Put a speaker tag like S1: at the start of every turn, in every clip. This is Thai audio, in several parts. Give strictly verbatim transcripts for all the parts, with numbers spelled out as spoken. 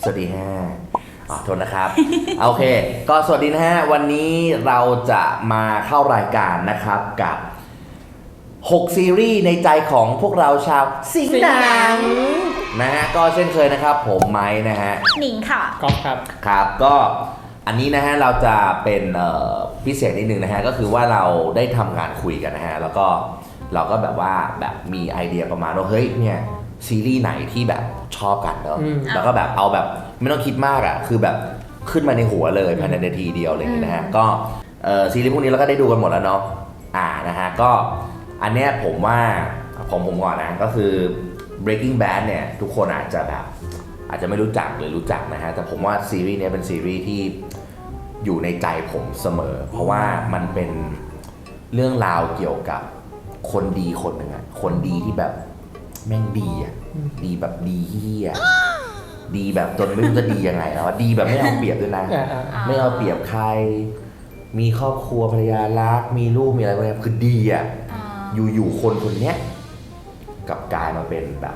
S1: สวัสดีฮะอ๋อโทษนะครับ โอเคก็สวัสดีนะฮะวันนี้เราจะมาเข้ารายการนะครับกับหกซีรีส์ในใจของพวกเราชาวสิงห์หนังนะฮะก็เช่นเคยนะครับผมไม้นะฮะ
S2: หนิงค่ะ
S3: ก๊อฟครับ
S1: ครับก็อันนี้นะฮะเราจะเป็นพิเศษนิดนึงนะฮะก็คือว่าเราได้ทำงานคุยกันนะฮะแล้วก็เราก็แบบว่าแบบมีไอเดียประมาณว่าเฮ้ยเนี่ยซีรีส์ไหนที่แบบชอบกันเนาะแล้วก็แบบเอาแบบไม่ต้องคิดมากอ่ะคือแบบขึ้นมาในหัวเลยภายในนาทีเดียวอะไรอย่างเงี้ยนะฮะก็ซีรีส์พวกนี้เราก็ได้ดูกันหมดแล้วเนาะอ่านะฮะก็อันเนี้ยผมว่าผมผมก่อนนะก็คือ Breaking Bad เนี่ยทุกคนอาจจะแบบอาจจะไม่รู้จักหรือรู้จักนะฮะแต่ผมว่าซีรีส์นี้เป็นซีรีส์ที่อยู่ในใจผมเสมอเพราะว่ามันเป็นเรื่องราวเกี่ยวกับคนดีคนหนึ่งอะคนดีที่แบบแม่งดีอะดีแบบดีเฮี้ยดีแบบจนไม่รู้จะดียังไงแล้วดีแบบไม่เอาเปรียบด้วยนะไม่เอาเปรียบใครมีครอบครัวภรรยารักมีลูกมีอะไรพวกนี้คือดีอะอยู่ๆคนคนเนี้ยกลับกลายมาเป็นแบบ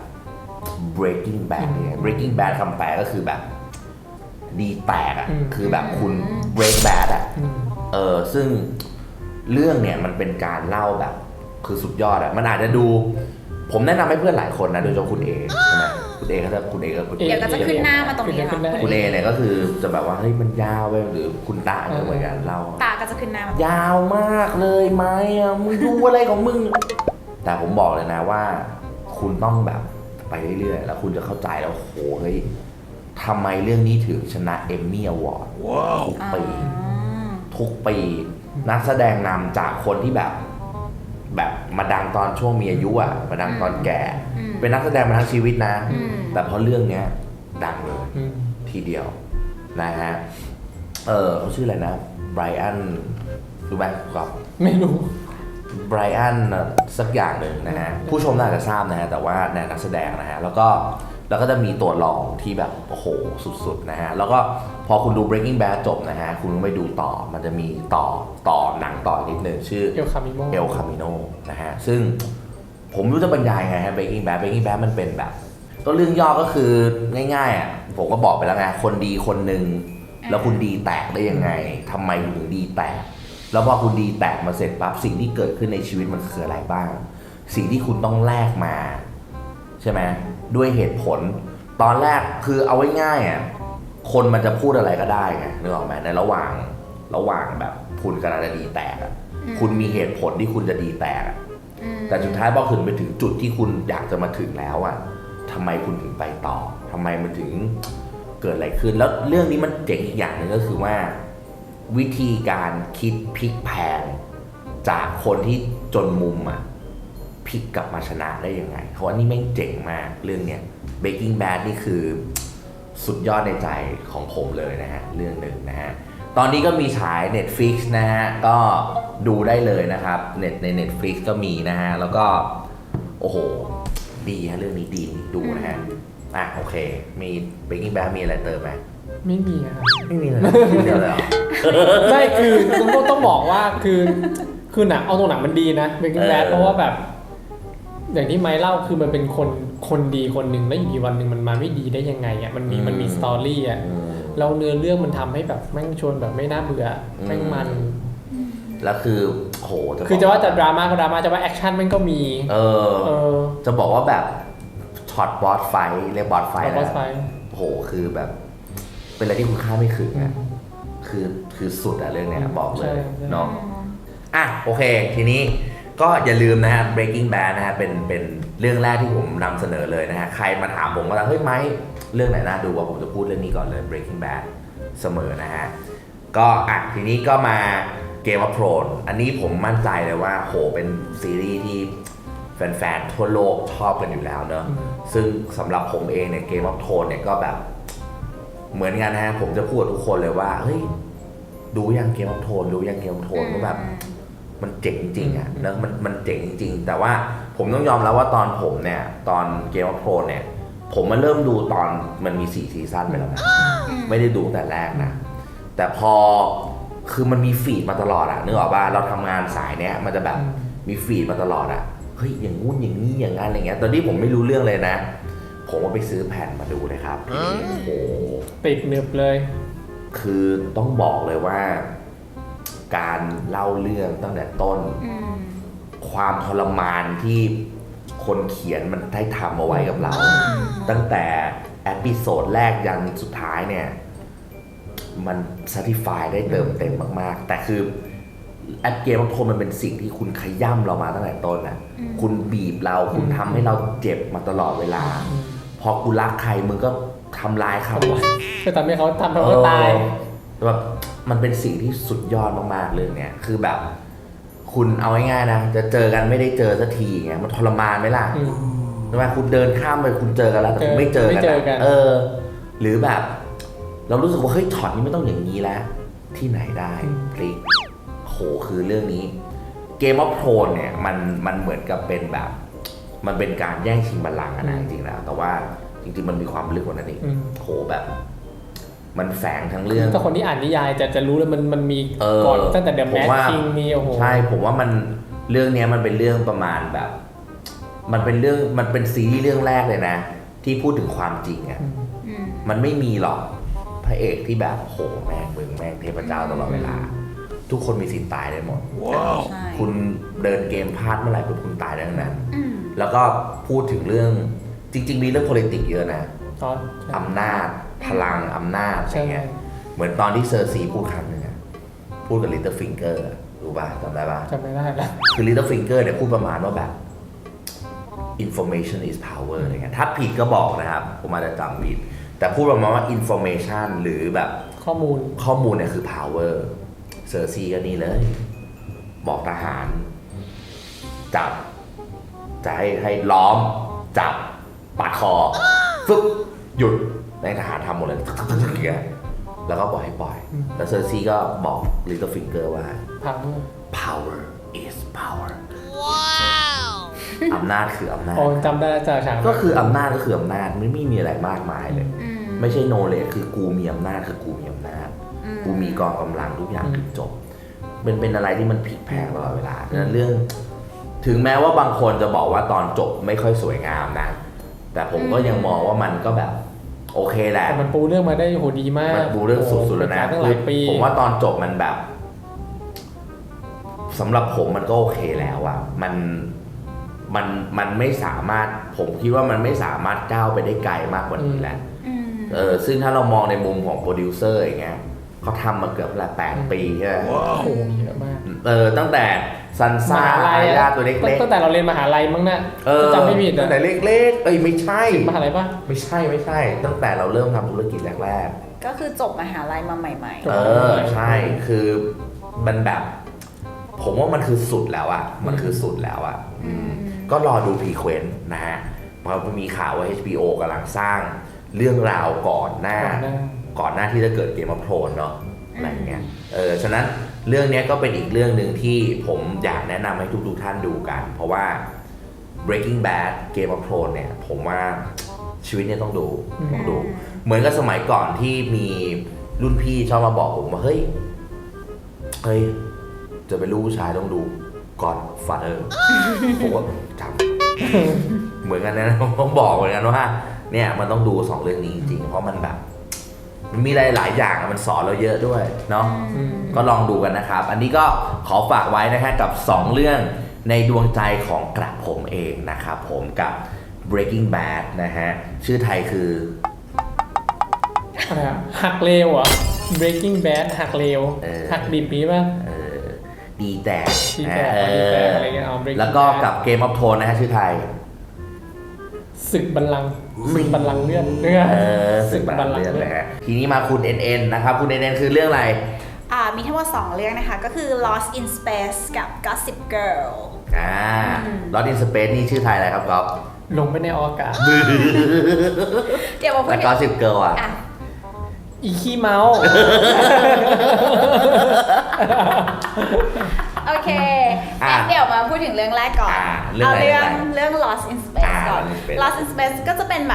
S1: breaking bad เนี่ย breaking bad คำแปลก็คือแบบดีแตกอ่ะคือแบบคุณ break bad อ่ะเออซึ่งเรื่องเนี่ยมันเป็นการเล่าแบบคือสุดยอดอ่ะมันอาจจะดูผมแนะนำให้เพื่อนหลายคนนะโดยเฉพาะคุณเอใช่ไหมคุณเอเขาจะคุณเอก็คุณเอ
S2: เดี๋ยวก็จะขึ้นหน้ามาตรงนี้ค่ะ
S1: คุณเอเนี่ยก็คือจะแบบว่าเฮ้ยมันยาวไปหรือคุณตาเนี่ยเหมือนกันเล่า
S2: ตาก็จะขึ้นหน้ามาย
S1: าวมากเลยไหมอ่ะมึงดูอะไรของมึงแต่ผมบอกเลยนะว่าคุณต้องแบบไปเรื่อยๆแล้วคุณจะเข้าใจแล้วโหเฮ้ยทำไมเรื่องนี้ถึงชนะเอมมี่อวอร์ดทุกปีทุกปีนักแสดงนำจากคนที่แบบแบบมาดังตอนช่วงมีอายุอ่ะมาดังตอนแก่เป็นนักแสดงมาทั้งชีวิตนะแต่เพราะเรื่องเนี้ยดังเลยทีเดียวนะฮะเออเขาชื่ออะไรนะไบรอันรู้ไหมครับ
S3: ไม่รู้
S1: ไบรอันสักอย่างหนึ่งนะฮะผู้ชมน่าจะทราบนะฮะแต่ว่าในนักแสดงนะฮะแล้วก็แล้วก็จะมีตัวรองที่แบบโอ้โหสุดๆนะฮะแล้วก็พอคุณดู Breaking Bad จบนะฮะคุณไปดูต่อมันจะมีต่อต่อหนังต่อนิดนึงชื่อ
S3: El Camino
S1: El Camino นะฮะซึ่งผมไม่รู้จะบรรยายไงฮะ Breaking Bad Breaking Bad มันเป็นแบบก็เรื่องย่อก็คือง่ายๆอ่ะผมก็บอกไปแล้วไงคนดีคนหนึ่งแล้วคุณดีแตกได้ยังไงทำไมถึงดีแตกแล้วพอคุณดีแตกมาเสร็จปั๊บสิ่งที่เกิดขึ้นในชีวิตมันคืออะไรบ้างสิ่งที่คุณต้องแลกมาใช่ไหมด้วยเหตุผลตอนแรกคือเอาไว้ง่ายอ่ะคนมันจะพูดอะไรก็ได้ไงนึกออกไหมในระหว่างระหว่างแบบคุณกำลังจะดีแตกอ่ะคุณมีเหตุผลที่คุณจะดีแตกอ่ะแต่สุดท้ายพอถึงไปถึงจุดที่คุณอยากจะมาถึงแล้วอ่ะทำไมคุณถึงไปต่อทำไมมันถึงเกิดอะไรขึ้นแล้วเรื่องนี้มันเจ๋งอีกอย่างนึงก็คือว่าวิธีการคิดพลิกแพลงจากคนที่จนมุมอ่ะพลิกกลับมาชนะได้ยังไงเพราะว่านี่แม่งเจ๋งมากเรื่องเนี้ย Breaking Bad นี่คือสุดยอดในใจของผมเลยนะฮะเรื่องหนึ่งนะฮะตอนนี้ก็มีฉาย Netflix นะฮะก็ดูได้เลยนะครับเน็ตใน Netflix ก็มีนะฮะแล้วก็โอ้โหดีฮะเรื่องนี้ดีดูนะฮะอ่ะโอเคมี Breaking Bad มีอะไรเติมไหม
S3: ไม่มีครับ
S1: ไม่มีเลยเดียวเลยเหรอ
S3: ไม่คือต้องต้องบอกว่าคือคือหนังเอาตรงหนังมันดีนะ Breaking Bad เพราะว่าแบบอย่างที่ไม้เล่าคือมันเป็นคนคนดีคนหนึ่งแล้วอยู่ดีวันหนึ่งมันมาไม่ดีได้ยังไงอ่ะมันมีมันมีสตอรี่อ่ะแล้วเนื้อเรื่องมันทำให้แบบแม่งชวนแบบไม่น่าเบื่อแม่งมัน
S1: แล้วคือโห
S3: คือจะว่าจะดราม่าก็ดราม่าจะว่าแอคชั่นมันก็มี
S1: เออเออจะบอกว่าแบบช็อตบอสไฟเรียกบอสไฟนะโหคือแบบเป็นอะไรที่คุณค่าไม่ถึงอ่ะคือคือสุดอะเรื่องเนี้ยบอกเลยเนาะอ่ะโอเคทีนี้ก็อย่าลืมนะฮะ Breaking Bad นะฮะเป็นเป็นเรื่องแรกที่ผมนำเสนอเลยนะฮะใครมาถามผมว่าเฮ้ยไมค์เรื่องไหนน่าดูว่าผมจะพูดเรื่องนี้ก่อนเลย Breaking Bad เสมอนะฮะก็อ่ะทีนี้ก็มา Game of Thrones อันนี้ผมมั่นใจเลยว่าโหเป็นซีรีส์ที่แฟนๆทั่วโลกชอบกันอยู่แล้วเนอะซึ่งสำหรับผมเองเนี่ย Game of Thrones เนี่ยก็แบบเหมือนกันนะฮะผมจะพูดทุกคนเลยว่าเฮ้ยดูยัง Game of Thrones ดูยัง Game of Thrones ก็แบบมันเจ๋งจริงอ่ะแล้วมันมันเจ๋งจริงแต่ว่าผมต้องยอมรับว่าตอนผมเนี่ยตอน Game of Thrones เนี่ยผมมาเริ่มดูตอนมันมีสี่ซีซั่นไปแล้วนะไม่ได้ดูแต่แรกนะแต่พอคือมันมีฟีดมาตลอดอ่ะนึกออกป่ะเราทำงานสายเนี้ยมันจะแบบมีฟีดมาตลอดอ่ะเฮ้ยอย่างงู้นอย่างนี้อย่างนั้นอะไรเงี้ยตอนที่ผมไม่รู้เรื่องเลยนะผมว่าไปซื้อแผ่นมาดูเลยครับทีนี้โอ้โห
S3: ติดหนึบเลย
S1: คือต้องบอกเลยว่า การเล่าเรื่องตั้งแต่ต้น
S2: อืม
S1: ความทรมานที่คนเขียนมันได้ทำเอาไว้กับเรา ตั้งแต่เอพิโซดแรกยันสุดท้ายเนี่ย มัน satisfy ได้เติมเต็มมากๆ แต่คือแอปเกมของโทนมันเป็นสิ่งที่คุณขย่ำเรามาตั้งแต่ต้นนะคุณบีบเราคุณทำให้เราเจ็บมาตลอดเวลา พอกูรักใครมึงก็ทำร้ายเขา
S3: คือทำให้เขาทำให้เขาตาย
S1: แบบมันเป็นสิ่งที่สุดยอดมากๆเลยเนี่ยคือแบบ คุณเอาง่ายๆนะจะเจอกันไม่ได้เจอสักทีไงมันทรมานไหมล่ะ
S3: อืม
S1: ใช่ไหมคุณเดินข้ามไปคุณเจอกันแล้วแต่คุณไม่เจอกัน
S3: ไม่เจอกัน
S1: เออ หรือแบบ เรารู้สึกว่าเฮ้ยช็อตนี้ไม่ต้องอย่างนี้แล้วที่ไหนได้พลิกโหคือเรื่องนี้ Game of Thrones เนี่ยมันมันเหมือนกับเป็นแบบ มันเป็นการแย่งชิงบัลลังก์อะนะจริงๆแล้วแต่ว่าจริงๆมันมีความลึกกว่านั้นอีก
S3: อืม
S1: โหแบบ มันแฝงทั้งเรื่อง
S3: ถ้าคนที่อ่านนิยายจะจะรู้เลยมันมันมี
S1: เออ
S3: ก่อนตั้งแต่เดอะ
S1: ผ
S3: แม
S1: ม
S3: ท
S1: ว่า
S3: คิงมีโอ้โห
S1: ใช่ผมว่ามันเรื่องเนี้ยมันเป็นเรื่องประมาณแบบ มันเป็นเรื่องมันเป็นซีรีส์เรื่องแรกเลยนะ ที่พูดถึงความจริงอะ
S2: อืม
S1: มันไม่มีหรอกพระเอกที่แบบโหแม่งมึงแม่งเทพเจ้าตลอดเวลา ทุกคนมีสิทธิ์ตายได้หมด
S2: ใช่
S1: คุณเดินเกมพลาดเมื่อไหร่ปุ๊บคุณตายได้ทั้งนั้น
S2: อืม
S1: แล้วก็พูดถึงเรื่องจริง ๆ มีเรื่อง politics เยอะนะ
S3: อ๋อ
S1: อำนาจพลังอำนาจอะไร
S3: ใช่
S1: เงี้ยเหมือนตอนที่เซอร์ซีพูดคำหนึ่งอะพูดกับลิตเติ้ลฟิงเกอร์รู้ป่ะจำได้ป่ะ
S3: จำไม่ได้ละ
S1: คือ Little Finger เนี่ยพูดประมาณว่าแบบ information is power อะไรเงี้ยถ้าผิดก็บอกนะครับ ผมอาจจะจำผิด แต่พูดประมาณว่า information หรือแบบ
S3: ข้อมูล
S1: ข้อมูลเนี่ยคือ power เซอร์ซีก็นี่เลย บอกทหาร จับ จะให้ให้ล้อม จับปาดคอ ฟึบหยุดในทหารทำหมดเลยอย่างเงี้ยแล้วก็ปล่อยให้ปล่อย แล้วเซอร์ซีก็บอก Little Finger ว่า
S3: พัง
S1: power is power อำนาจคืออำนาจ
S3: อ๋อจำได้แล้วจากฉาก
S1: ก็คืออำนาจก็คืออำนาจไม่ไม่มีอะไรมากมายเลย
S2: อืม
S1: ไม่ใช่โนเลจคือกูมีอำนาจคือกูมีอำนาจ
S2: อืม
S1: กูมีกองกำลังทุกอย่างถึงจบเป็นเป็นอะไรที่มันพลิกแพลงตลอดเวลาดังนั้นเรื่อง ถึงแม้ว่าบางคนจะบอกว่าตอนจบไม่ค่อยสวยงามนะ แต่ผมก็ยังมองว่ามันก็แบบ โอเคแหละ
S3: แต่มันปูเรื่องมาได้โหดีมาก
S1: มันปูเรื่องสุดๆแล้วนะ
S3: โอ้โหเป็นการตั้งหลายปี
S1: ผมว่าตอนจบมันแบบสำหรับผมมันก็โอเคแล้วอะมันมันมันไม่สามารถผมคิดว่ามันไม่สามารถก้าวไปได้ไกลมากกว่านี้แล้ว
S2: อืม
S1: เออซึ่งถ้าเรามองในมุมของโปรดิวเซอร์อย่างเงี้ยเขาทำมาเกือบละแปดปีใช่ไหม
S3: โอ้โหเยอะมาก
S1: เออตั้งแต่ซันซ่าไอญาตัวเล็ก
S3: ตั้งแต่เราเรียนมหาลัยมั้งนะ
S1: ๆเออ
S3: จำไม่ผิด
S1: ตั้
S3: อะ
S1: งแต่เล็กๆเอ้ยไม่ใช่
S3: มหาลัยปะ
S1: ไม่ใช่ไม่ใช่ ตั้งแต่เราเริ่มทำธุรกิจแรก
S2: ก็คือจบมหาลัยมาใหม่
S1: ๆ เออใช่คือมันแบบ ผมว่ามันคือสุดแล้วอะมันคือสุดแล้วอะ
S2: ๆอืม
S1: ก็รอดูพรีเควนต์นะฮะเพราะมีข่าวว่า เอช บี โอ กำลังสร้างเรื่องราวก่อนหน้า
S3: ก่อนหน้า
S1: ก่อนหน้าที่จะเกิดเกมออฟโทนเนาะอะไรอย่างเงี้ยเออฉะนั้นเรื่องนี้ก็เป็นอีกเรื่องหนึ่งที่ผมอยากแนะนำให้ทุกๆท่านดูกัน เพราะว่า Breaking Bad Game of Thrones เนี่ย ผมว่าชีวิตเนี่ยต้องดูต้องดู เหมือนกับสมัยก่อนที่มีรุ่นพี่ชอบมาบอกผมว่าเฮ้ยเฮ้ยจะเป็นลูกผู้ชายต้องดูก่อนฟาเธอร์ ผมก็จำ เหมือนกันนะผมต้องบอกเหมือนกันว่าเนี่ยมันต้องดูสองเรื่องนี้จริงๆเพราะมันแบบมันมีหลายๆอย่างมันสอนเราเยอะด้วยเนาะ
S3: อืม
S1: ก็ลองดูกันนะครับ อันนี้ก็ขอฝากไว้นะฮะกับสองเรื่องในดวงใจของกระผมเองนะครับผมกับ Breaking Bad นะฮะชื่อไทยคือ
S3: อะไรอะหักเลวเหรอ Breaking Bad หักเลว
S1: เออ
S3: หักดิบนี้ป่ะ
S1: เออดีแต่
S3: ดีแต่
S1: เอ
S3: ดีแต่
S1: อ
S3: อะไรเงี้ยเอา Breaking
S1: แล้วก็
S3: Bad
S1: กับ Game of Thrones นะฮะชื่อไทย
S3: ศึกบัลลังก์ศึกบัลลังก์เลือดเลือด
S1: เออสึกบัลลังก์เลือดนะฮะทีนี้มาคุณ เอ็น เอ็น นะครับคุณ เอ็น เอ็น คือเรื่องอะไร
S2: อ่ามีทั้งหมดสองเรื่องนะคะ ก็คือ Lost in Space กับ Gossip Girl
S1: อ่า Lost in Space นี่ชื่อไทยอะไรครับก๊อฟ
S3: ลงไปในอวกาศ
S2: เดี๋ยวมาพูด
S1: แล้วก็สิบเกิร์ลอ่ะ
S2: อ่ะ
S3: อีขี้เมา
S2: โอเค
S1: อ่ะ
S2: งั้นเดี๋ยวมาพูดถึงเรื่องแรกก่อน
S1: อ่ะเรื่อง
S2: เอา
S1: อะไร
S2: เรื่อง
S1: เรื่องอะไร
S2: เรื่อง Lost in Space
S1: อ่ะ
S2: ก่อน
S1: Lost in Space
S2: Lost in Space ก็จะเป็นแบบ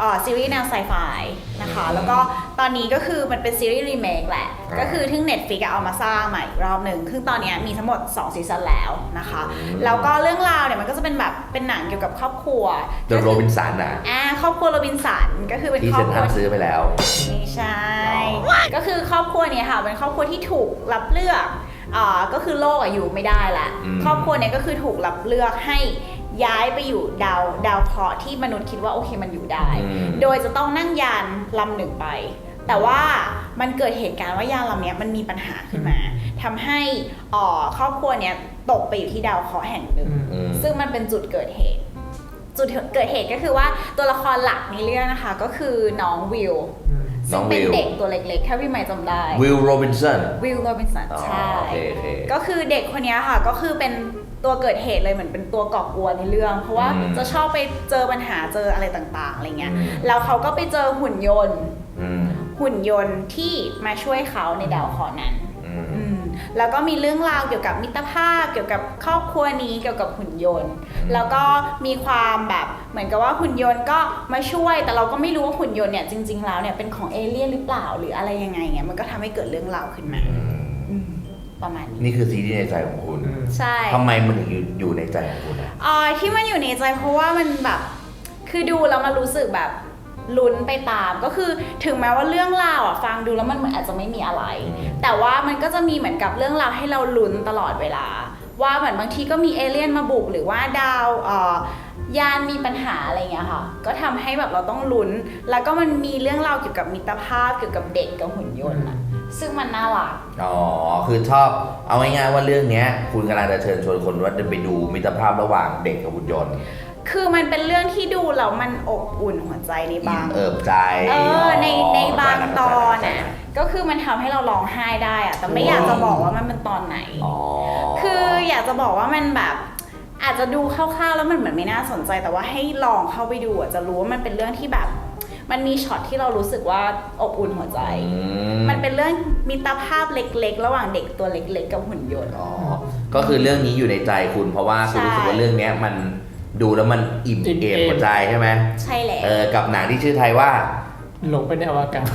S2: เอ่อซีรีส์แนวไซไฟนะคะแล้วก็ตอนนี้ก็คือมันเป็นซีรีส์รีเมคแหละก็คือทึ่ง Netflix เอามาสร้างใหม่อีกรอบหนึ่งคือตอนนี้มีทั้งหมดสองซีซั่นแล้วนะคะแล้วก็เรื่องราวเนี่ยมันก็จะเป็นแบบเป็นหนังเกี่ยวกับครอบครัว
S1: The Robinson อ่ะ
S2: อ่าครอบครัวโรบินสันก็คือเป็น
S1: ที่
S2: ครอ
S1: เซ็
S2: บ
S1: น
S2: ค
S1: ทรั
S2: รัว
S1: ลซื้อไปแล้ว
S2: ไม่ใช่ ก็คือครอบครัวเนี่ยค่ะเป็นครอบครัวที่ถูกรับเลือกอ่าก็คือโลกอะอยู่ไม่ได้ละ
S1: อืม
S2: ครอบครัวเนี่ยก็คือถูกรับเลือกให้ย้ายไปอยู่ดาวดาวเคราะห์ที่มนุษย์คิดว่าโอเคมันอยู่ได้
S1: อืม
S2: โดยจะต้องนั่งยานลำหนึ่งไป แต่ว่ามันเกิดเหตุการณ์ว่ายานลำเนี้ยมันมีปัญหาขึ้นมาทำให้อ่อครอบครัวเนี่ยตกไปอยู่ที่ดาวเคราะห์แห่งหนึ่ง
S1: อืม
S2: ซึ่งมันเป็นจุดเกิดเหตุ จุดเกิดเหตุก็คือว่าตัวละครหลักในเรื่องนะคะก็คือน้องวิล
S1: น้
S2: ซึ่
S1: อง
S2: งเป็น
S1: วิล
S2: เด็กตัวเล็กๆถ้าพี่ใหม่จำได้
S1: วิลโรบินสัน
S2: วิลโรบินสัน
S1: อ๋อ
S2: ใช่
S1: โอเคโอเค
S2: ก็คือเด็กคนนี้ค่ะก็คือเป็นตัวเกิดเหตุเลยเหมือนเป็นตัวก่อกวนในเรื่อง เพราะว่า
S1: อืม
S2: จะชอบไปเจอปัญหาเจออะไรต่างๆอะไรเงี้ย
S1: อืม
S2: แล้วเขาก็ไปเจอหุ่นยนต์
S1: อืม
S2: หุ่นยนต์ที่มาช่วยเขาในดาวเคราะห์นั้น
S1: อืม
S2: อืมแล้วก็มีเรื่องราวเกี่ยวกับมิตรภาพเกี่ยวกับครอบครัวนี้เกี่ยวกับหุ่นยนต์
S1: อืม
S2: แล้วก็มีความแบบเหมือนกับว่าหุ่นยนต์ก็มาช่วย แต่เราก็ไม่รู้ว่าหุ่นยนต์เนี่ยจริงๆแล้วเนี่ยเป็นของเอเลี่ยนหรือเปล่าหรืออะไรยังไงเงี้ยมันก็ทำให้เกิดเรื่องราวขึ้นมา
S1: อืม
S2: อืมประมาณนี้
S1: นี่คือซีรีส์ในใจของคุณ
S2: ใช่
S1: ทำไมมันถึงอยู่อยู่ในใจของคุณอะ
S2: อ่าที่มันอยู่ในใจเพราะว่ามันแบบคือดูแล้วมันรู้สึกแบบลุ้นไปตามก็คือถึงแม้ว่าเรื่องราวอ่ะฟังดูแล้วมันเหมือนอาจจะไม่มีอะไร แต่ว่ามันก็จะมีเหมือนกับเรื่องราวให้เราลุ้นตลอดเวลา ว่าเหมือนบางทีก็มีเอเลี่ยนมาบุกหรือว่าดาวเอ่อยานมีปัญหาอะไรเงี้ยค่ะก็ทำให้แบบเราต้องลุ้น แล้วก็มันมีเรื่องราวเกี่ยวกับมิตรภาพเกี่ยวกับเด็กกับหุ่นยนต์อะซึ่งมันน่ารัก
S1: อ๋อ คือชอบ เอาง่ายๆว่าเรื่องเนี้ย คุณกำลังจะเชิญชวนคนว่าจะไปดูมิตรภาพระหว่างเด็กกับหุ่นยนต์
S2: คือมันเป็นเรื่องที่ดูแล้วมันอบอุ่นหัวใจในบาง
S1: เอิบใจ
S2: เออในในบางตอน
S1: อ่ะ
S2: อ่ะก็คือมันทำให้เราร้องไห้ได้อ่ะแต่ไม่อยากจะบอกว่ามันเป็นตอนไหน
S1: อ๋อ
S2: คืออยากจะบอกว่ามันแบบอาจจะดูคร่าวๆแล้วมันเหมือนไม่น่าสนใจ แต่ว่าให้ลองเข้าไปดูอ่ะจะรู้ว่ามันเป็นเรื่องที่แบบ มันมีช็อตที่เรารู้สึกว่าอบอุ่นหัวใจ
S1: อืม
S2: มันเป็นเรื่องมิตรภาพเล็กๆ ระหว่างเด็กตัวเล็กๆกับหุ่นยนต์
S1: อ๋อ ก็คือเรื่องนี้อยู่ในใจคุณ เพราะว่าคุณรู้สึกว่าเรื่องเนี้ยมันดูแล้วมันอิ่ม
S3: อิ่ม
S1: เอม
S3: เอม
S1: หัวใจใช่ไหม
S2: ใช่แล้ว
S1: เออ กับหนังที่ชื่อไทยว่า
S3: หลงไปในอวกาศ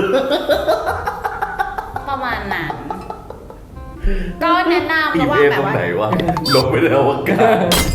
S2: ประมาณนั้นก็แนะนำ
S1: อิ่
S2: ระ
S1: ม
S2: หว่า
S1: เอง ม
S2: แบ
S1: ตร
S2: บ
S1: ง
S2: ว่า
S1: ไหนวะ ลงไปในอวกาศ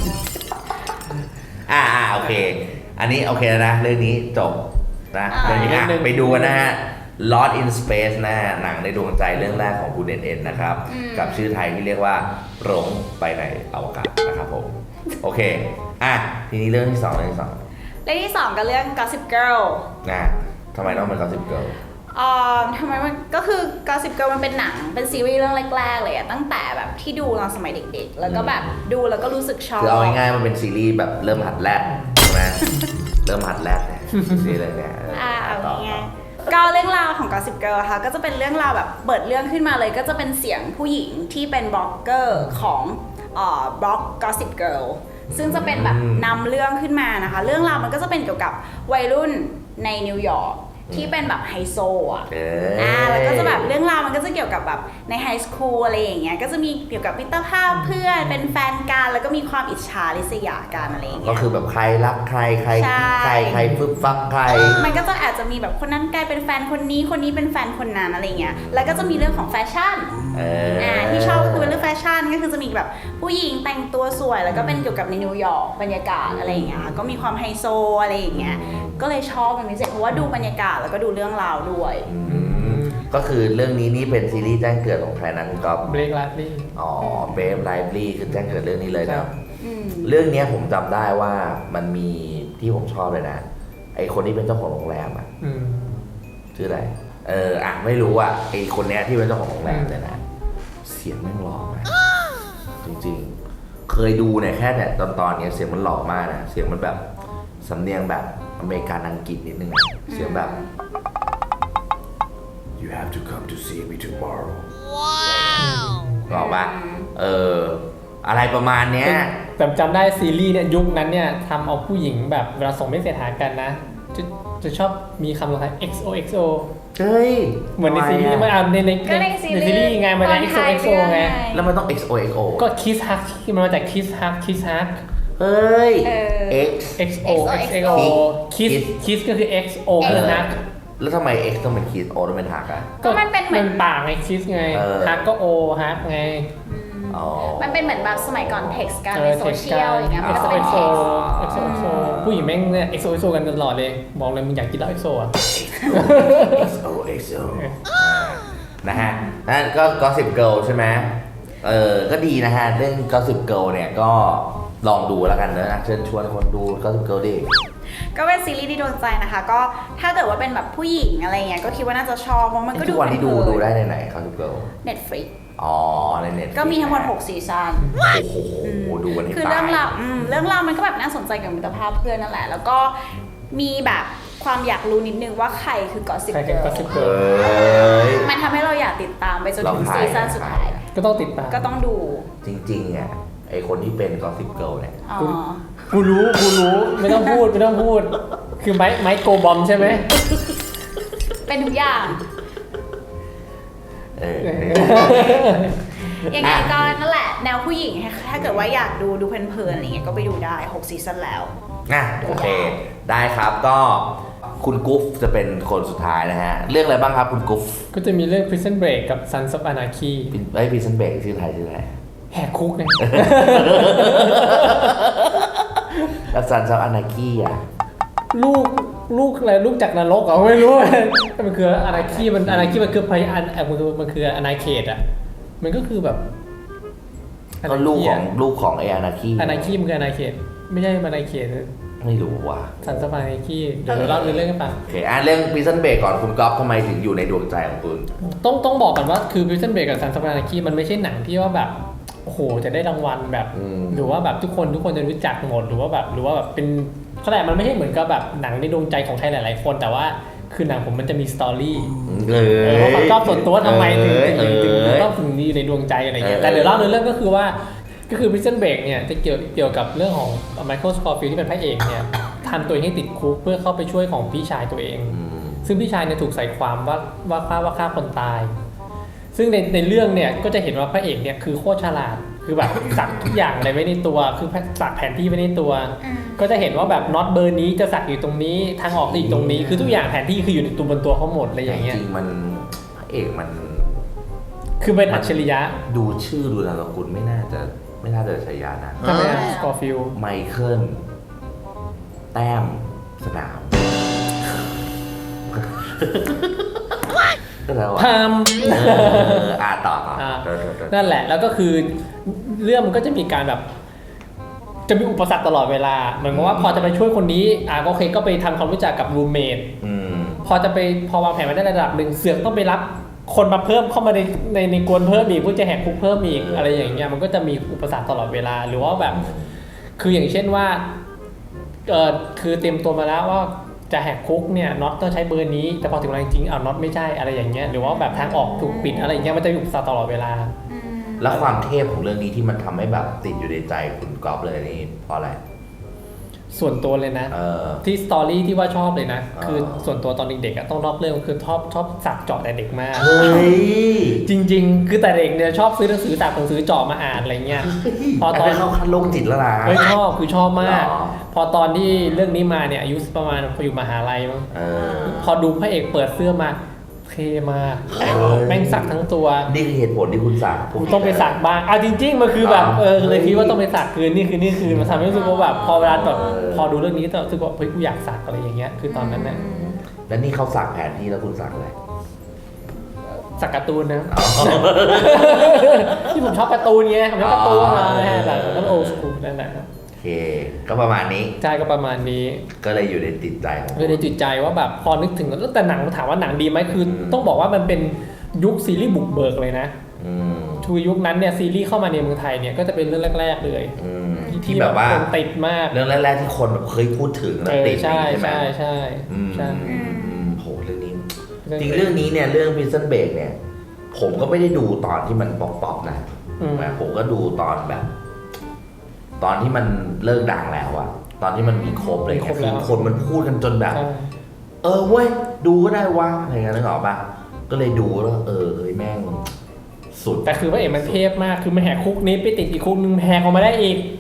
S1: อ่าอ่าโอเค อันนี้โอเคแล้วนะ เรื่องนี้จบนะ
S2: อ่า
S1: เรื่องนี้อ่ะ
S3: เรื่องหนึ่ง
S1: ไปดูกันนะฮะ Lost in Space นะฮะหนังในดวงใจเรื่องแรกของคุณเอ็นเอ็นนะครับ กับชื่อไทยที่เรียกว่าหลงไปในอวกาศนะครับผม โอเค อ่ะ ทีนี้เรื่องที่สองเรื่องที่สอง
S2: เรื่องที่สองก็เรื่อง Gossip Girl
S1: นะทำไมต้องเป็น Gossip Girl
S2: อ่าทำไมมันก็คือ Gossip Girl มันเป็นหนังเป็นซีรีส์เรื่องแรกๆเลยอะตั้งแต่แบบที่ดูตอนสมัยเด็กๆ แล้วก็แบบดูแล้วก็รู้สึกชอบ
S1: คือเอาง่ายๆมันเป็นซีรีส์แบบเริ่มหัดแรกใช่ไหม เริ่มหัดแรกเนี่ยซีรีส์เรื่องเนี้ยเออ
S2: อ่าเอา
S1: ต่อ
S2: ง่ายๆก็เรื่องราวของ Gossip Girl ค่ะก็จะเป็นเรื่องราวแบบเปิดเรื่องขึ้นมาเลยก็จะเป็นเสียงผู้หญิงที่เป็นบล็อกเกอร์ของเอ่อบล็อก Gossip Girl ซึ่งจะเป็นแบบนำเรื่องขึ้นมานะคะ เรื่องราวมันก็จะเป็นเกี่ยวกับวัยรุ่นในนิวยอร์กที่เป็นแบบไฮโซอ่ะ
S1: เอ
S2: อ่า
S1: อ
S2: แล้วก็จะแบบเรื่องราวมันก็จะเกี่ยวกับแบบในไฮสคูลอะไรอย่างเงี้ยก็จะมีเกี่ยวกับมิตรภาพเพื่อนเป็นแฟนกันแล้วก็มีความอิจฉาริษยากันอะไรอย่าง
S1: ก็
S2: เงี้ย
S1: คือแบบใครรักใครใคร
S2: ใช่
S1: ใครใครฟึบฟักใคร
S2: มันก็จะอาจจะมีแบบคนนั้นกลายเป็นแฟนคนนี้คนนี้เป็นแฟนคนนั้นอะไรเงี้ยแล้วก็จะมีเรื่องของแฟชั่น
S1: เออ
S2: อ่าที่ชอบก็คือเป็นเรื่องแฟชั่นก็คือจะมีแบบผู้หญิงแต่งตัวสวยแล้วก็เป็นเกี่ยวกับในนิวยอร์กบรรยากาศอะไรอย่างเงี้ยก็มีความไฮโซอะไรอย่างเงี้ยก็เลยชอบเป็นพิเศษเพราะว่าดูบรรยากาศแล้วก็ดูเรื่องราวด้วย
S1: อืมก็คือเรื่องนี้นี่เป็นซีรีส์แจ้งเกิดของใครนะคุณก๊อฟ
S3: เบรกไลฟ์ลี่
S1: อ๋อเบฟไลฟ์ลี่คือแจ้งเกิดเรื่องนี้เลย
S3: ครั
S1: นะ
S3: บ
S2: อืม
S1: เรื่องเนี้ยผมจำได้ว่ามันมีที่ผมชอบเลยนะ ไอคนที่เป็นเจ้าของโรงแรมอ่ะ
S3: อืม
S1: ชื่ออะไรเอออ่ะไม่รู้อ่ะไอคนเนี้ยที่เป็นเจ้าของโรงแรมเนี่ยนะเสียงแม่งหล่อมากจริงๆ เคยดูเนี่ยแค่เนี่ยตอนตอนเนี้ยเสียงมันหล่อมากนะเสียงมันแบบสำเนียงแบบอเมริกันอังกฤษนิดนึงอะเสียงแบบ you have to come to see me tomorrow ว้าวบอกปะเอออะไรประมาณเนี้ย
S3: แต่จำได้ซีรีส์เนี่ยยุคนั้นเนี่ยทำเอาผู้หญิงแบบเวลาส่งไม่เสร็จหากันนะ จะจะชอบมีคำลงท้าย เอ็กซ์ โอ เอ็กซ์ โอ
S1: เฮ้ย
S3: เหมือนในซีรีส์มันอ่านในใน
S2: ก็ในซีรีส์
S3: ในซีรีส์ไงมัน
S2: ตอน
S3: เอ็กซ์ โอ
S2: ท้าย
S3: เอ็กซ์ โอ
S2: เรื่อง
S3: ไง
S2: ไง
S1: แล้วมันต้อง เอ็กซ์ โอ เอ็กซ์ โอ
S3: ก็คิสฮักมันมาจากคิสฮักคิสฮัก
S1: เฮ้ย
S2: เออ
S1: X
S3: X O X O Kiss Kiss ก็คือ X O คือฮัก
S1: แล้วทำไม X ต้องเป็น Kiss O ต้องเป็นหักอ่ะ
S2: ก็มันเป็นเหมือน
S3: ปากไง Kiss ไง
S1: เออ
S3: ฮักก็ O ฮักไง
S1: อ๋อ
S2: มันเป็นเหมือนแบบสมัยก่อนเท็กซ์กัน
S3: เอ
S2: ใน
S3: อ
S2: โซ
S3: เท็ก
S2: เชี
S3: ซ์
S2: ย
S3: กั
S2: ล
S3: น
S2: อย่างเงี้ยมันก็จะ
S3: X O
S2: เป็น
S3: X
S2: เท็
S3: O
S2: กซ์
S3: X O X O ผู้หญิงแม่งเนี่ย X O X O กันตลอดเลยบอกเลยมึงอยากกินเหล้า X O อ่ะ
S1: X O X O นะฮะนั่นก็ Gossip Girl ใช่ไหมเออก็ดีนะฮะเรื่อง Gossip Girl เนี่ยก็ลองดูแล้วกันเนอะเชิญชวนคนดู Gossip Girl ดิ
S2: ก็เป็นซีรีส์ที่โดนใจนะคะ ก็ถ้าเกิดว่าเป็นแบบผู้หญิงอะไรเงี้ยก็คิดว่าน่าจะชอบเพราะมันก็
S1: ทุ
S2: ดู
S1: กวันที่ดูดูได้ในไหน Gossip Girl
S2: Netflix
S1: อ๋อในเน็ต
S2: ก็มีทั้งหมดหกซีซั่น
S1: โอ้โหดูกันให้
S2: คือ
S1: ตา
S2: เรื่อย งราวอืมเรื่องราวมันก็แบบน่าสนใจกับมิตรภาพเพื่อนนั่นแหละ แล้วก็มีแบบความอยากรู้นิดนึงว่าใครคือกอสซิป
S3: ใคร
S2: เก
S3: คือ
S2: อร์
S3: Gossip
S1: เอ
S3: Girl
S1: ้ย
S2: มันทำให้เราอยากติดตามไปจนถึง
S1: เราถ่าย
S2: ซีซั่นสุดท้าย
S3: ก็ต้องติดตาม
S2: ก็ต้องดู
S1: จริงๆอ่ะไอคนที่เป็น Gossip Girl เนี่ย
S2: อ๋อ
S3: กูรู้กูรู้ไม่ต้องพูดไม่ต้องพูด คือไม้ไม้โกบอมใช่ไหม
S2: เป็นทุกอย่าง
S1: เออ
S2: ยังไงก็นั่นแหละ แนวผู้หญิงถ้าเกิดว่าอยากดูดูเพลินๆอะไรเงี้ยก็ไปดูได้หกซีซั่นแล้ว
S1: อ่ะโอเค ได้ครับก็คุณกุ๊ฟจะเป็นคนสุดท้ายนะฮะ เรื่องอะไรบ้างครับคุณกุ๊ฟ
S3: ก็จะมีเรื่อง Prison Break กับ Sons of Anarchy
S1: ไอ้พีซันเบกชื่อไทยชื่ออะไร
S3: แหกคุกไง
S1: แล้วซันซอฟอนาคีอ่ะ
S3: ลูกลูกอะไรลูกจากนรกเหรอไม่รู้ มันคืออนาคีมันอนาคีมันคือพยานมันคือมันคืออนาเขตอ่ะมันก็คือแบบ
S1: ก็ลูกของลูกของไออนาคี
S3: อนาคีมันคืออนาเขตไม่ใช่อนาเขต
S1: ไม่รู้ว่ะ
S3: สันสปานาคีเดี๋ยวเราเล่าเรื่องกันไป
S1: โอเคอ่ะเรื่องพีซันเบกก่อนคุณก๊อฟทำไมถึงอยู่ในดวงใจของคุณ
S3: ต้องต้องบอกก่อนว่าคือ Prison Break กับ Sons of Anarchy มันไม่ใช่หนังที่ว่าแบบโอ้โหจะได้รางวัลแบบ
S1: อืม
S3: หรือว่าแบบทุกคนทุกคนจะรู้จักหมดหรือว่าแบบหรือว่าแบบเป็นเขาแต่มันไม่ใช่เหมือนกับแบบหนังในดวงใจของใครหลายๆคน แต่ว่าคือหนังผมมันจะมีสตอรี่
S1: เอ
S3: เออว่าความชอบส่วนตัวทำไมถึง
S1: เอ
S3: ถึง
S1: อ
S3: ถึง
S1: เอ
S3: ถึง
S1: อ
S3: ต้องถึงอยู่ในดวงใจอะไรเงี้ย
S1: เออ
S3: แต่เดี๋ยวเล่าในเรื่องก็คือว่าก็คือ Prison Break เนี่ยจะเกี่ยวเกี่ยวกับเรื่องของ Michael Scofield ที่เป็นพระเอกเนี่ยทำตัวเองให้ติดคุกเพื่อเข้าไปช่วยของพี่ชายตัวเอง
S1: อืม
S3: ซึ่งพี่ชายเนี่ยถูกใส่ความว่าว่าฆ่าว่าฆ่าคนตาย ซึ่งในในเรื่องเนี่ยก็จะเห็นว่าพระเอกเนี่ยคือโคตรฉลาด คือแบบสักทุกอย่างอะไรไว้ในตัว คือสักแผนที่ไว้ในตัว
S2: อืม
S3: ก็จะเห็นว่าแบบน็อตเบอร์นี้จะสักอยู่ตรงนี้ทางออกอีกตรงนี้ คือทุกอย่างแผนที่คืออยู่ในตัวบนตัวเขาหมดอะไรอย่างเงี้ย
S1: จริงๆมันพระเอกมัน
S3: คือเป็นอัจฉริยะ
S1: ดูชื่อดูนามสกุลไม่น่าจะไม่น่าจะใช้ยานะ
S3: ทำไมอะสกอร์ฟิล
S1: ไมเคิลแต้มสนามก็แล้ว
S3: พา
S1: อ่ะ
S3: ม
S1: เอออ่าต่อต่อ
S3: อ่า
S1: เออเออเออ
S3: นั่นแหละ แล้วก็คือเรื่องมันก็จะมีการแบบ จะมีอุปสรรคตลอดเวลา เหมือนกับว่าพอจะไปช่วยคนนี้ อ่าโอเคก็ไปทำความรู้จักกับรูเมท
S1: อืม
S3: พอจะไปพอวางแผนมาได้ระดับหนึ่งเสือกต้องไปรับคนมาเพิ่มเข้ามาในในในกวนเพิ่มอีกเพื่อจะแหกคุกเพิ่มอีกอะไรอย่างเงี้ยมันก็จะมีอุปสรรคตลอดเวลาหรือว่าแบบ คืออย่างเช่นว่าเออคือเตรียมตัวมาแล้วว่าจะแหกคุกเนี่ยน็อตต้องใช้เบอร์นี้แต่พอถึงเวลาจริงๆเอาน็อตไม่ใช่อะไรอย่างเงี้ยหรือว่าแบบทางออกถูกปิดอะไรอย่างเงี้ยมันจะมีอุปสรรคตลอดเวลา
S2: อืม
S1: แล้วความเทพของเรื่องนี้ที่มันทำให้แบบติดอยู่ในใจคุณก๊อฟเลยนี่เพราะอะไร
S3: ส่วนตัวเลยนะ
S1: เออ
S3: ที่สตอรี่ที่ว่าชอบเลยนะ
S1: อ่า
S3: คือส่วนตัวตอนเด็กๆอะต้องนอกเรื่องคือชอบชอบสักเจาะแต่เด็กมาก
S1: เฮ้ย
S3: จริง ๆ คือแต่เด็กเนี่ยชอบซื้อหนังสือสักหนังสือเจาะมาอ่านอะไรเงี้ยพอตอน
S1: นเข้าขั้นโรคจิตแล้วนะ
S3: เฮ้ยชอบคือชอบมาก
S1: หรอ
S3: พอตอนที่เรื่องนี้มาเนี่ยอายุประมาณพออยู่มหาลัยมั้ง
S1: เออ
S3: พอดูพระเอกเปิดเสื้อมาเท่มาก
S1: เออ
S3: แม่งสักทั้งตัว
S1: นี่คือเหตุผลที่คุณสั่ง
S3: กูต้องไปสักบ้างอ่ะจริง ๆ มันคือแบบ
S1: อ๋อ
S3: เออเลยคิดว่าต้องไปสักคืนนี่คือนี่คือมันทำให้รู้สึกว่าแบบพอเวลาแบบ
S1: เออ
S3: พอดูเรื่องนี้ก็รู้สึกว่าเฮ้ยกูอยากสักอะไรอย่างเงี้ยคือตอนนั้นเนี่ย
S1: แล้วนี่เขาสั่งแผนที่แล้วคุณสั่งอะไร
S3: สักการ์ตูนนะ
S1: อ๋อ
S3: ที่ผมชอบการ์ตูนไงผมชอบการ์ตูนมา
S1: อ๋อ
S3: นะฮะแบบนั้นโอสกูนั่นแหละครับ
S1: โอเค ก็ประมาณนี้
S3: ใช่ก็ประมาณนี้
S1: ก็เลยอยู่ในติดใจของ
S3: คือในจิตใจว่าแบบพอนึกถึงแล้วแต่หนังถามว่าหนังดีไหมคือ
S1: อืม
S3: ต้องบอกว่ามันเป็นยุคซีรีส์บุกเบิกเลยนะ
S1: อืม
S3: คือยุคนั้นเนี่ยซีรีส์เข้ามาในเมืองไทยเนี่ยก็จะเป็นเรื่องแรก ๆ เลย
S1: อืมที่แบบว่า
S3: คนติดมาก
S1: เรื่องแรกๆที่คนแบบเคยพูดถึงแล้ว
S3: เออ
S1: ติด
S3: ใช่
S1: ใช่ไหม
S3: ใช่ใช่
S1: อืม
S3: ใช่
S1: อืมอืมโหเรื่องนี้ จริงเรื่องนี้เนี่ยเรื่อง Prison Break เนี่ย ผมก็ไม่ได้ดูตอนที่มันป๊อปๆนะ
S3: อืม
S1: แต่ผมก็ดูตอนแบบ ตอนที่มันเลิกดังแล้วอะตอนที่มันมีครบอะไรเงี้ยคือคนมันพูดกันจนแบบ
S3: ใช่
S1: เออเว้ยดูก็ได้วะอะไรเงี้ยนึกออกปะก็เลยดูแล้วเออเฮ้ยแม่งสุด
S3: แต่คือพระเอกมันเทพมากคือมันแหกคุกนี้ไปติดอีกคุกนึงแหกออกมาได้อีก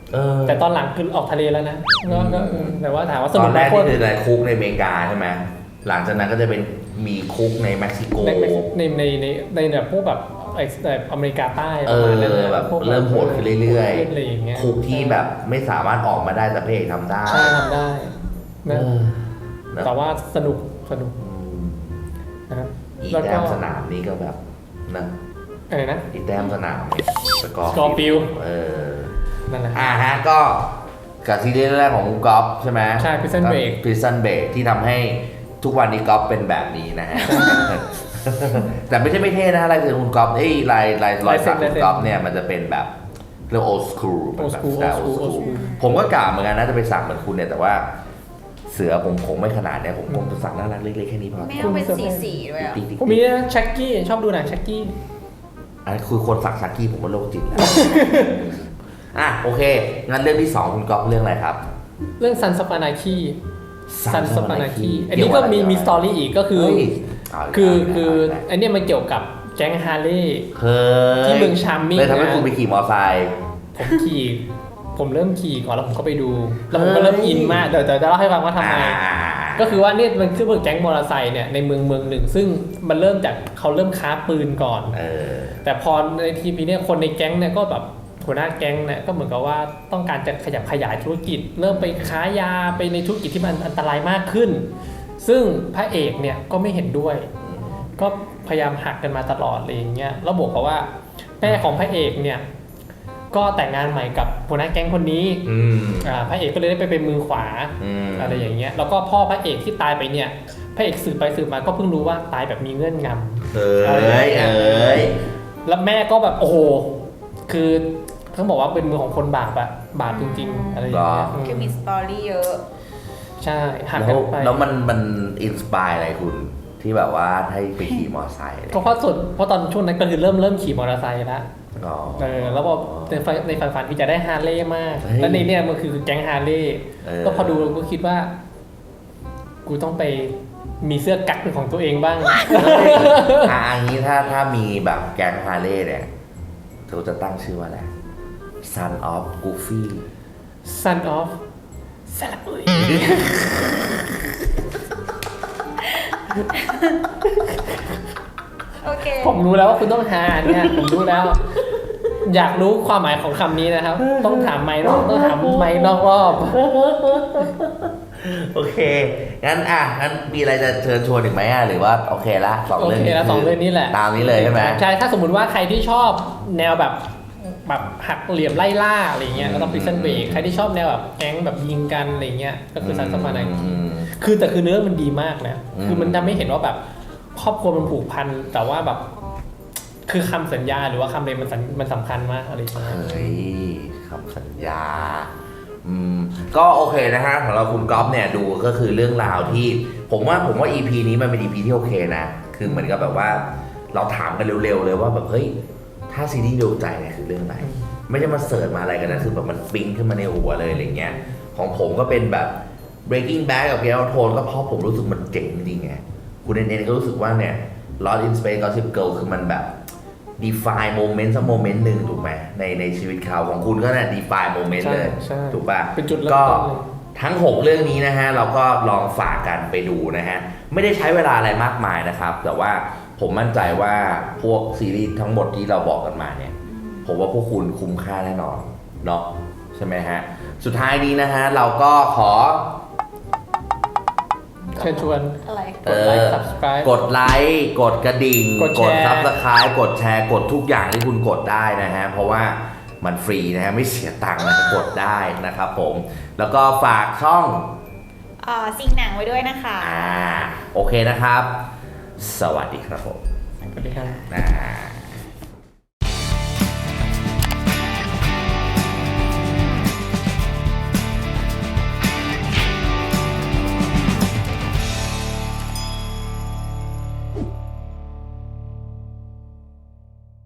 S1: เออ
S3: แต่ตอนหลังคือออกทะเลแล้วนะก็ก็แต่ว่าถามว่าส
S1: ต
S3: นุ
S1: อก น
S3: ไห
S1: แร
S3: ม
S1: ก
S3: โคต
S1: นี่
S3: ร
S1: คือในคุกในอเมริกาใช่ไหมหลังจากนั้นก็จะเป็นมีคุกในเม็กซิโก
S3: ในในในในในแบบพวกแบบไอ้แบบอเมริกาใต้
S1: เอ
S3: ประ
S1: อ
S3: มาณนั้นนะ
S1: แบบ
S3: พวก
S1: เริ่มโหดขึ้นเรื่อย
S3: โหดขึ้นอะไรอย่างเงี้ย
S1: ๆคุกที่แบบไม่สามารถออกมาได้แต่พระเอกทำได้
S3: ใช่ทำได้
S1: เอ
S3: นะ
S1: อนะ
S3: แต่ว่าสนุกสนุก
S1: อืม
S3: นะครับ
S1: อี
S3: แล้ว
S1: แต้
S3: ก็
S1: มสนามนี่ก็แบบนะ
S3: อะไรนะ
S1: อีแต้มสนามเนี่ยสกอร์
S3: Scorpio
S1: เออ
S3: นั่นแหละ
S1: อ่าฮะก็กับซีรีส์แรกของคุณก๊อฟใช่ไหม
S3: ใช่ Prison Break
S1: Prison Break ที่ทำให้ทุกวันนี้ก๊อฟเป็นแบบนี้นะฮะ แต่ไม่ใช่ไม่เท่นะลายเซ็นคุณก๊อฟไอ้ยลายลายรอยสักคุณก๊อฟเนี่ยมันจะเป็นแบบเรียกโอสคูล
S3: Old school Old school Old school
S1: ผมก็กล่าวเหมือนกันนะจะไปสักเหมือนคุณเนี่ยแต่ว่าเสือผมคงไม่ขนาดเนี่ยผมคงจะสักน่ารักเล็กๆแค่นี้พอ
S2: ไม่เอาเป็นสีสีๆด้วยอ่ะ
S1: ติ๊กๆ
S3: ผมมีนะชักกี้ชอบดูหนังชักกี้
S1: อันนี้คือคนสักชักกี้ผมว่าโรคจิตแล้ว อ่ะโอเคงั้นเรื่องที่สองคุณก๊อฟเรื่องอะไรครับ
S3: เรื่องซันสปานาคีซัน
S1: Sons
S3: ส
S1: of
S3: ปานา
S1: Anarchy
S3: คีอันนี้ก็มีมีสตอรี่อีกก็คือ
S1: เฮ้ยเอาอีก
S3: คือ
S1: แล้ว
S3: คือ
S1: เอาอีกแล้ว
S3: อันเนี้ยมันเกี่ยวกับแก๊งฮาร์เลย์
S1: เฮ้ย
S3: ที่เมือง Charming
S1: เลยทำให้
S3: นะ
S1: คุณไปขี่มอไซค์
S3: ผมขี่ ผมเริ่มขี่ก่อนแล้วผมก็ไปดู แล้วผมก็
S1: เฮ้ย
S3: เริ่มอินมากเดี๋ยวเดี๋ยวจะเล่าให้ฟังว่าทำไม
S1: อ่า
S3: ก็คือว่าเนี่ยมันคือเมืองแก๊งมอเตอร์ไซค์เนี่ยในเมืองเมืองหนึ่ง ซึ่งมันเริ่มจากเขาเริ่มค้าปืนก่อน
S1: เออ
S3: แต่พอในทีพีเนี่ยคนในแก๊งเนี่ยก็แบบหัวหน้าแก๊งเนี่ยก็เหมือนกับว่าต้องการจะขยับขยายธุรกิจ เริ่มไปค้ายาไปในธุรกิจที่มันอันตรายมากขึ้น ซึ่งพระเอกเนี่ยก็ไม่เห็นด้วย ก็พยายามหักกันมาตลอดอะไรอย่างเงี้ยแล้วบอกเขาว่าแม่ของพระเอกเนี่ยก็แต่งงานใหม่กับหัวหน้าแก๊งคนนี้
S1: อืม
S3: อ่าพระเอกก็เลยได้ไปเป็นมือขวา
S1: อืม
S3: อะไรอย่างเงี้ยแล้วก็พ่อพระเอกที่ตายไปเนี่ยพระเอกสืบไปสืบมาก็เพิ่งรู้ว่าตายแบบมีเงื่อนงำ
S1: เอ้ยเอ้ย
S3: แล้วแม่ก็แบบโอ้โห คือเขาบอกว่าเป็นมือของคนบาปอะบาปจริงๆ อะไรอย่างเงี้ย
S2: คือมีสตอรี่เยอะ
S3: ใช่หัก
S1: แล้
S3: กั
S1: วน
S3: ไป
S1: แล้วมันมันอินสปายอะไรคุณที่แบบว่าให้ไปขี่มอไซค์อะไร
S3: ก็เพราะส่วนเพราะตอนช่วงนั้นก็คือเริ่มเริ่มขี่มอเตอร์ไซค์แล้ว
S1: อ๋อ
S3: เออแล้วพอในฝันในฝันฝันที่จะได้ฮาร์เลย์มาก
S1: เฮ้ย
S3: แล้วในเนี่ยมันคือแก๊งฮาร์เลย์
S1: เออ
S3: ก็พอดูก็คิดว่า กูต้องไปมีเสื้อกั๊กเป็นของตัวเองบ้าง
S1: อ่ะอันนี้ถ้าถ้ามีแบบแก๊งฮาร์เลย์เนี่ยเขาจะตั้งชื่อว่าอะไร Son of Goofy
S3: Son of ซาลาบุย
S2: โอเค
S3: ผมรู้แล้วว่าคุณต้องหาเนี่ยผมรู้แล้ว อยากรู้ความหมายของคำนี้นะครับ ต้องถามไมค์นอกต้องถามไมค์นอกรอบ
S1: โอเค งั้นอ่ะ งั้นมีอะไรจะเชิญชวนอีกไหมอ่ะ หรือว่าโอเคละสอง
S3: โอ
S1: เรื่อง
S3: เค
S1: นี้
S3: แล้วสองเรื่องนี้แหละ
S1: ตามนี้เลยใช่ไหม
S3: ใช่ถ้าสมมติว่าใครที่ชอบแนวแบบแบบหักเหลี่ยมไล่ล่าอะไรเงี้ยก็ต้อง Prison Break ใครที่ชอบแนวแบบแก๊งแบบยิงกันอะไรเงี้ยก็คือซันสมานาคี
S1: อืม
S3: คือแต่คือเนื้อมันดีมากนะ
S1: อืม
S3: คือมันทำให้เห็นว่าแบบครอบครัวมันผูกพันแต่ว่าแบบ คือคำสัญญาหรือว่าคำเรมันสำมันสำคัญมากอะไรอย่างเงี้ย
S1: เฮ้ยคำสัญญา อืม ก็โอเคนะฮะของเราคุณก๊อฟเนี่ยดูก็คือเรื่องราวที่ ผมว่าผมว่า อี พี นี้มันเป็น อี พี ที่โอเคนะ คือเหมือนกับแบบว่า เราถามกันเร็วๆเลยว่าแบบเฮ้ย ถ้าซีรีส์ดวงใจเนี่ยคือเรื่องไหน ไม่ใช่มาเสิร์ชมาอะไรกันนะ คือแบบมันปิ๊งขึ้นมาในหัวเลยอะไรเงี้ย ของผมก็เป็นแบบ Breaking Bad กับ Game of Thrones ก็เพราะผมรู้สึกมันเจ๋งจริงๆไง คุณเอ็นเอ็นก็รู้สึกว่าเนี่ย Lost in Space Gossip Girl คือมันแบบ define moment สักโมเมนต์หนึ่งถูกไหมในในชีวิตเขาของคุณก็เนี่ย define moment
S3: ใช่
S1: เลย
S3: ใช่
S1: ถูกป่ะ
S3: เป็นจุดเริ่ม
S1: ก็
S3: ต้นเลย
S1: ทั้ง หก เรื่องนี้นะฮะ เราก็ลองฝากกันไปดูนะฮะ ไม่ได้ใช้เวลาอะไรมากมายนะครับ แต่ว่าผมมั่นใจว่าพวกซีรีส์ทั้งหมดที่เราบอกกันมาเนี่ย ผมว่าพวกคุณคุ้มค่าแน่นอนเนาะใช่ไหมฮะ สุดท้ายนี้นะฮะ เราก็ขอ
S3: เชิญชวน
S2: อะไร
S3: กดไลค์ subscribe
S1: กดไลค์กดกระดิ่ง
S3: กดแชร์
S1: ซับสไครต์กดแชร์กดทุกอย่างที่คุณกดได้นะฮะ เพราะว่ามันฟรีนะฮะ ไม่เสียตังค์นะกดได้นะครับผม แล้วก็ฝากช่อง
S2: อ่าซิงหนังไว้ด้วยนะคะ
S1: อ่า โอเคนะครับ สวัสดีครับผม
S3: สวัสดีครับ
S1: อ่า